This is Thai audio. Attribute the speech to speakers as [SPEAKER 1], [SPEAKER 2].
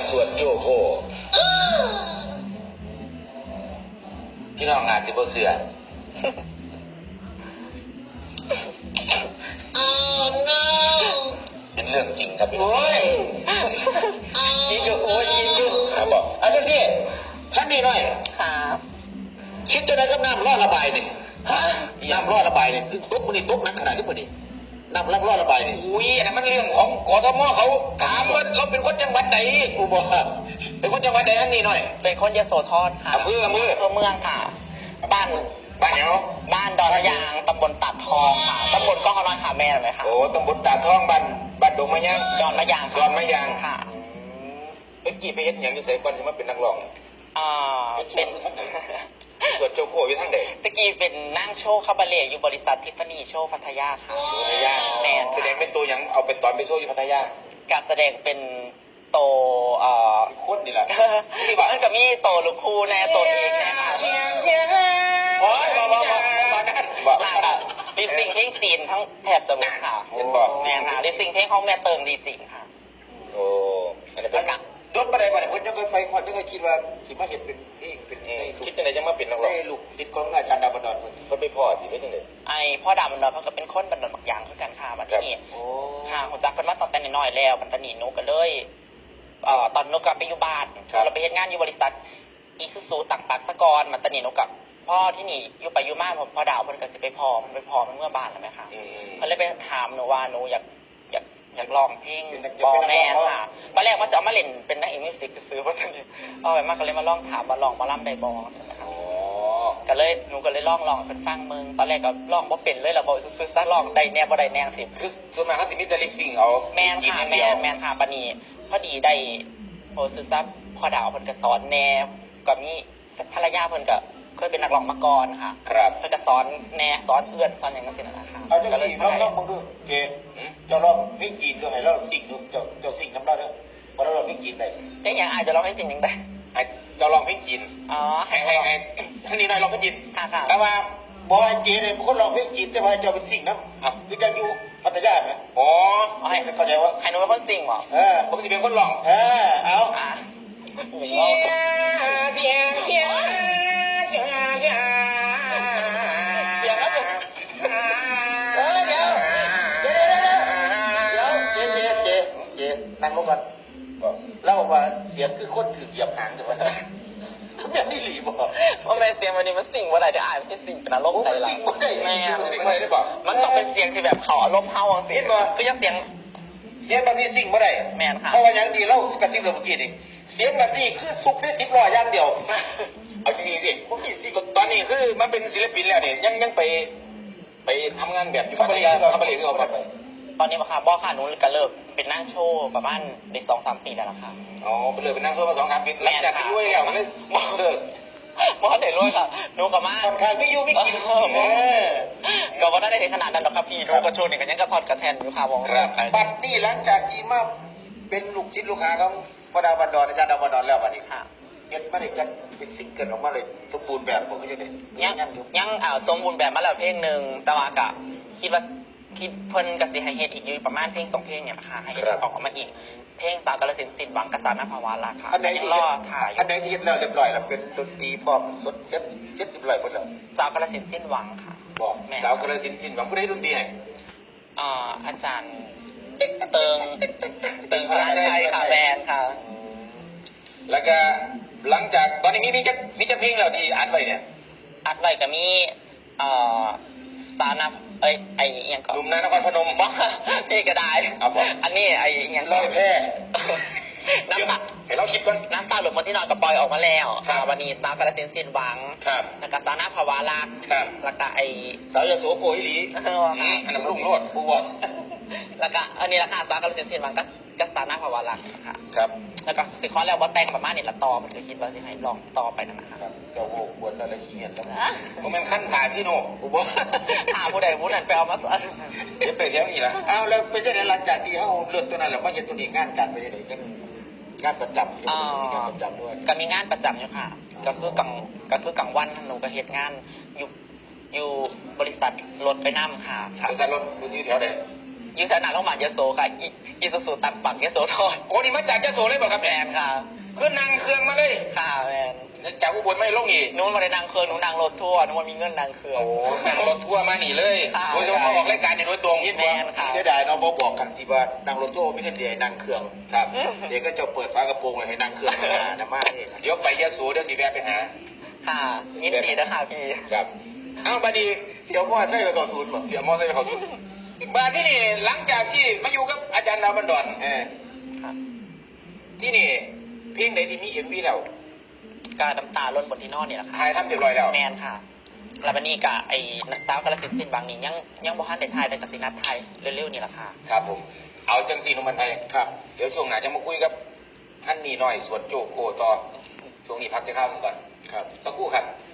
[SPEAKER 1] สวดโยโคพี่น้องอาจสิบ่เสือเป็นเรื่องจริงครับพี่น้องยิงดูโอ้ยยิงดูครับบอกอาจารย์สิท่านนี่หน่อย
[SPEAKER 2] ครับ
[SPEAKER 1] คิดจะได้กับน้ำรอดระบายนี่น้ำรอดระบายนี่คือตุ๊กมันนี่ตุ๊กนักขนาดนี้พอดีน้ำรอดระบายนี่อุ้ยอันนั้นมันเรื่องของกทมเขาถามว่าเราเป็นคนจังหวัดไหนกูบอกเป็นคนจังหวัดไหนท่านนี่หน่อย
[SPEAKER 2] เป็นคนยโสธรค่ะ
[SPEAKER 1] อำเภอเมื
[SPEAKER 2] องค่ะบ้าน
[SPEAKER 1] เนี่ย
[SPEAKER 2] บ้านดอนยางตำบลตาดทองค่ะตำบลก้องกำลังหาแม่ไหมคะ
[SPEAKER 1] โอ้ตำบลตาดทองบ้านดงมะยาง
[SPEAKER 2] ดอนมะยาง
[SPEAKER 1] ค่ะเป็นกี่ไปเฮ็ดอย่างที่เสกวันสมัยเป็นนักร้อง
[SPEAKER 2] เป็น
[SPEAKER 1] ส่วนโจโคอยู่ทั้งเด็ก
[SPEAKER 2] ตะกี้เป็นนั่งโชว์คาบาเล่อยู่บริษัททิฟฟานี่โชว์พัทยาค่ะ
[SPEAKER 1] พัทยา
[SPEAKER 2] แม่
[SPEAKER 1] แสดงเป็นตัวอย่างเอาเป็นตอนไปโชว์อยู่พัทยา
[SPEAKER 2] การแสดงเป็นโต
[SPEAKER 1] โคตรดีแหละ
[SPEAKER 2] มันก็มีโตลูกคู่แน่โตเองแน่ค่ะ
[SPEAKER 1] โอ้ย
[SPEAKER 2] บอกลิปซิงเพลงจีนทั้งแถบจะหมดค่ะแม่ค่ะลิปซิงเพลงของแม่เติงดีจริงค่ะ
[SPEAKER 1] โอ้อันนี้เป็นยศอะไรมาเนี่ยผมยังเคยไปคนยังเคยคิดว่าสิมาเห็นเป็นเองเป็นคิดยังไงจะมาเป็นนักร้องลูกศิษย์ของอาจารย์ดาวบันดาลคนไปพ่อสิไม่ใช่เลย
[SPEAKER 2] ไอพ่อดาวบันดาลเขาก็เป็นคนบันดาลบางอย่างคือกันค่ะบัดนี้ค่ะผมจักเป็นมาตอนแต่น้อยแล้วบัดนี้นุกันเลยตอนนุกับไปอยู่บ้านเราไปเฮ็ดงานอยู่บริษัทอีซูซูต่างปากสะกอนบัดนี้นุกับพ่อที่นี่อยู่ไปอยู่มาพ่อดาวเพิ่นก็สิไปพอมันเมื่อบ้านแล้วไหมคะเพิ่นเลยไปถามหนูว่าหนูอยากลองเพลงบอแม่ค่ะตอนแรกว่าจะเอามาเล่นเป็นนักมิวสิกซื้อเพราะตอนนี้เอาไปมากก็เลยมาลองถามว่าลองมาล่ำได้บอใช่ไหมคะก็เลยหนูก็เลยลองเป็นฟังมึงตอนแรกก็ลองว่าเป็นเลยเราบอกซื้อซะลองได้แน่บ่ได้แน่สิ
[SPEAKER 1] คือส่วนมากเขาสิมีแต่ลิปซิงเอา
[SPEAKER 2] แม่ค่ะแม่ค่ะปานีพอดีได้โพสซื้อซับพอดาวเพิ่นก็สอนแน่ก็มีภรรยาเพิ่นก็เคยเป็นนักร้องมาก่อนค่ะ
[SPEAKER 1] ครับ
[SPEAKER 2] เพิ่นก็สอนแน่สอนเพื่อนสอนอย่างนั้นสินะคะ
[SPEAKER 1] เอาจังสิลองมึงดูเจจะลองเพลงจีนด้วยให้เราสิ่งดูจะสิ่งน้ำเราด้วยพอเราลองเพลงจีนได้
[SPEAKER 2] เพลงอย่างอาจจะร้องให้จริงยังได้
[SPEAKER 1] จะลองเพลงจีนให้ท่านนี้นายลองเพลงจีนแต่ว่าบอยเจเนี่ยคนลองเพลงจีนแต่ว่าจะเป็นสิ่งน้ำคือจะอยู่พัทยาไหมอ๋อให้เข้าใจว่า
[SPEAKER 2] ให้หนูเป็นคนสิ่งหรอ
[SPEAKER 1] ผมจะเป็นคนลองเอาเสียเสียเสียเสียเสียแล้วเดี๋ยวนั่งลงก่อนแล้วบอกว่าเสียงคือคนถือเหยียบหางถูกไหมแม่นี่หลีบอก
[SPEAKER 2] ว่าแม่เสียงวันนี้มันสิ่งว่าอะไรเดี๋ยวอ่านมันจะสิ่งเป็นอารมณ์อะไรล่ะ
[SPEAKER 1] สิ่งไม่ได้แม่สิ่งไม่ได้บอก
[SPEAKER 2] มันต้องเป็นเสียงที่แบบเขาอารมณ์เฮาเสียงก็ยังเสียง
[SPEAKER 1] แบบนี้สิ่งไม่ได้
[SPEAKER 2] แม่ค่ะ
[SPEAKER 1] เพราะว่าอย่างดีเรากระซิบเราเมื่อกี้นี่เสียงแบบนี้คือสุกที่10 ล้อย่างเดียวเอาจริงๆสิผมมีสิ่งตอนนี้คือมันเป็นศิลปินแล้วเนี่ยยังไปทำงานแบบอยู่พัทยาทำอะไรก็เอาไป
[SPEAKER 2] ตอนนี้มาค่ะบอกค่ะหนูก็เลิกเป็นนั่งโชว์ประมาณได้2-3 ปีแล้วล่ะค่ะ
[SPEAKER 1] อ๋อเป็นเลยเป็นนั่งโชว์มา2-3 ปีแล้วจากที่รวยแล้วมันเลยเลิก
[SPEAKER 2] มอเด็ดรวยค่ะหนูกับมา
[SPEAKER 1] ค่อนข้างไม่อยู่ไม่กิน
[SPEAKER 2] ก็ว่าได้ถึงขนาดนั้นหรอกครับพี่หนูก็โชว์เนี่ยกันยังกระทอดกระแทนอยู่ค่ะวง
[SPEAKER 1] ครับบัดนี้หลังจากที่มาเป็นลูกศิษย์ลูกหาของพระดาวบันดอนอาจารย์ดาวบันดอนแล้วบัดนี้เห็นไม่ได้จะเป็นซิงเกิลออกมาเลยสมบูรณ์แบบผมก็จะได้
[SPEAKER 2] ยังสมบูรณ์แบบมาแล้วเพลงหนึ่งแต่ว่ากะคิดเพิ่นกับสิให้เฮ็ดอีกอยู่ประมาณเพลง2 เพลงเนี่ยนะคะให้ออกมาอีกเพลงสาวกาลสินธุ์สิ้นหวังกษาหน้าภาวะราคา
[SPEAKER 1] อันไหนที่รอถ่ายอันไหนที่เฮ็ดแล้วเรียบร้อยแล้วเป็นดนตรีพร้อมสดเซ็ตเรียบร้อยหมดแล้ว
[SPEAKER 2] สาวกาลสินธุ์สิ้นหวังค่ะ
[SPEAKER 1] บอกสาวกาลสินธุ์สิ้นหวังผู้ใดดนตรีให้
[SPEAKER 2] อาจารย์เติงพระชัยค่ะแบนค่ะ
[SPEAKER 1] แล้วก็หลังจากตอนนี้มีจะเพลงแล้วที่อัดไว้เนี่ย
[SPEAKER 2] อัดไว้ก็มีสาวนับไออย่างก่อน
[SPEAKER 1] หนุ่มนครพนม
[SPEAKER 2] บ้าพี่ก็ได้อันนี้ไออย่าง
[SPEAKER 1] ลอยแพ
[SPEAKER 2] น้ำตา
[SPEAKER 1] เห็นเราคิดก่อน
[SPEAKER 2] น้ำตาหลุดมาที่นอนกับปอยออกมาแล้ววันนี้สาวกาลสินธุ์สิ้นหวังแล้วก็สาวนาภาวะรักแล้วก็ไอ
[SPEAKER 1] สาวยโสโกฮิลีอันนั้นรุ่งโรจน์บัว
[SPEAKER 2] แล้วก็อันนี้ราคาสาวกาลสินธุ์สิ้นหวังก็สาวนาภาวะรักค่ะ
[SPEAKER 1] ครับ
[SPEAKER 2] แล้วก็สิคอแล้วว่าแต่งประมาณนี้ละต่อมันจะคิดว่าจะให้ลองต่อไปนะครับ
[SPEAKER 1] จะโว้กวนแล้วขี้เกียจแล้วมันขั้นขาชิโน่บัว
[SPEAKER 2] ผู้ใดผู้นั้นไปเอามา
[SPEAKER 1] เดี๋ยวไปเที่ยวนี่ละอ้าวแล้วไปจะได้หลังจากที่เขาเลือกตัวนั้นแล้วมาเห็นตัวนี้งานการไปยังไงงานประจำมีงานประจำด้วย
[SPEAKER 2] ก็มีงานประจำอยู่ค่ะก็คือกลางวันหนูก็เฮ็ดงานอยู่บริษัทรถไปนั่มค่ะ
[SPEAKER 1] บริษัทรถอยู่แถวไหน
[SPEAKER 2] อยู่สนามโรงพยาบาลยโสค่ะอีสุสุตักปักยโสธร
[SPEAKER 1] โอ้นี่มาจากเจ้าโสเลยเปล่ะครับ
[SPEAKER 2] แมนค่ะ
[SPEAKER 1] คือนั่งเครื่องมาเลย
[SPEAKER 2] ค่ะแมน
[SPEAKER 1] จากอุบลไม่ลงอีก
[SPEAKER 2] นู้นมาได้นางเครื่องนู้นนางรถทัวร์นู้นมามีเงินนางเครื่อง
[SPEAKER 1] โอ้นั่งรถทัวร์มานี่เลย
[SPEAKER 2] ค่ะ
[SPEAKER 1] โดยเฉพาะมาออกรายการนี่โดยตรง
[SPEAKER 2] แม่นค่ะ
[SPEAKER 1] เสียดายเนาะบอกกันสิว่านั่งรถทัวร์ไม่ใช่เดี๋ยวนั่งเครื่องครับเดี๋ยวก็จะเปิดฝากระโปรงเลยให้นั่งเครื่องนะมาเองเดี๋ยวไปยะโสเดี๋ยวสิแวะไปหา
[SPEAKER 2] ค่ะยินดีนะคะพี่
[SPEAKER 1] ครับเอาบาดีเสียวมอไซค์ไปเข้าศูนย์บ่เสียวมอไซค์ไปเข้าศูนย์บาที่นี่หลังจากที่มาอยู่กับอาจารย์ดาวบันดอน
[SPEAKER 2] ค่ะ
[SPEAKER 1] ที่นี่เพลงไหนที่มีเอ็มวีแล้ว
[SPEAKER 2] การน้ำตาล้นบนที่นอนนี่แหละค่ะ
[SPEAKER 1] ถ่ายทำเรียบร้อยแล้ว
[SPEAKER 2] แมนค่ะแล้ววันนี้กะไอ้นักสาวกระสินสินบางนี่ยังบ่ทันได้ทายแต่กสินัดไทยเร็วๆนี่แหละค่ะ
[SPEAKER 1] ครับผมเอาจังสีนุ่มมันไทยครับเดี๋ยวช่วงหน้าจะมาคุยกับฮันนี่น้อยสวนโจโกต่อช่วงนี้พักจะข้าวก่อนครับสักครู่ครับ